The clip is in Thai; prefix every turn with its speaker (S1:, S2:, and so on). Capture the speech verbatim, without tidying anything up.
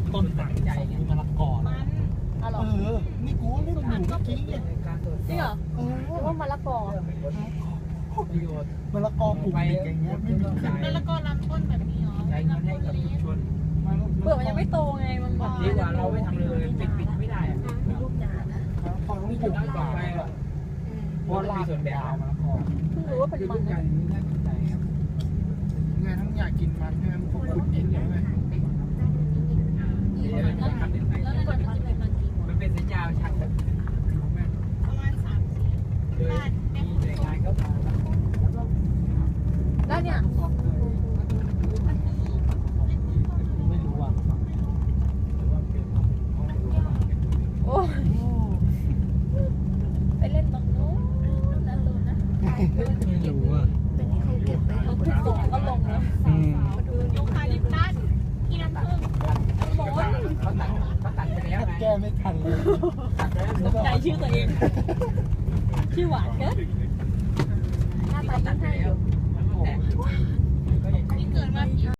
S1: ต้นหนังใจไงมะละกอ
S2: มัน
S3: อ๋อเหรอ
S4: เออนี่กูเล่นอยู่เมื่อกี้เนี่ย
S3: จริงเหรอ
S4: เออ
S3: หรือว่ามะละกอ
S1: ประโยชน์
S4: มะละกอปลูกเด็กอย่างเงี้ยไม่มีขาย
S2: แล้วแล้วก็ลำต้นแบบนี้เหรอ
S1: ใช้เงินให้กับชุมชน
S3: เปลือกมันยังไม่โตไงมันแบบ
S1: ดีกว่าเราไม่ทำเลยปิดปิดไม่ได้อะ
S3: มีลูกหนานะ
S4: มะละกอต้อง
S1: ไม่
S4: ป
S1: จุ
S4: ลู
S1: ด
S4: ก
S1: ตั้งต่อ
S4: ป่า
S1: ไปอ่ะเพราะเรามีส่วนแบ่งเอามะละกอ
S3: เพิ่งรู้ว่าเป็น
S1: คือ
S3: มั
S1: ทุ
S3: น
S1: กอย่างนี้น่าสนใจครับ
S4: ไงทั้งอยากกินมันใช่ไหมพวกขุดดินใช่ไหม
S1: เดี๋ยวเราจะทำยังไง
S3: แล้วก่อนมันจะเป็นมันกี่
S1: มันเป็นสัญญาชัดแบบ
S2: ประมาณสามสี่
S1: โดยมีหน่วยงานเข้ามาแล้วก็
S3: แล้วเนี่ย
S1: ไม่รู้ว่าหรือว่าเป็นห้องรู้ว่าเป็น
S3: โอ้ไปเล่นตรงนู้นนั่นนู้นนะ
S4: ไม่รู้อ่ะ
S3: เป็นที่เขาเก็บไปเขาทุกส่งก็ลงแล้ว
S4: อืม
S2: ยูคาลิปตัสที่น้ำผึ้ง
S1: เขาตัดเขาตัดเขาตัดไปแล้วไง
S4: แก้ไม่ทันเลย
S1: ตัดไปแล้ว
S3: ตกใจชื่อตัวเองชื่อหวานเกินหน้าตา
S1: ตั
S3: ยิ่
S1: ด
S3: ง
S1: ไป
S3: ให้อ
S1: แล้ว
S3: ยู่
S1: มันแตกก็อย่าง
S2: นี่เกิดมากี่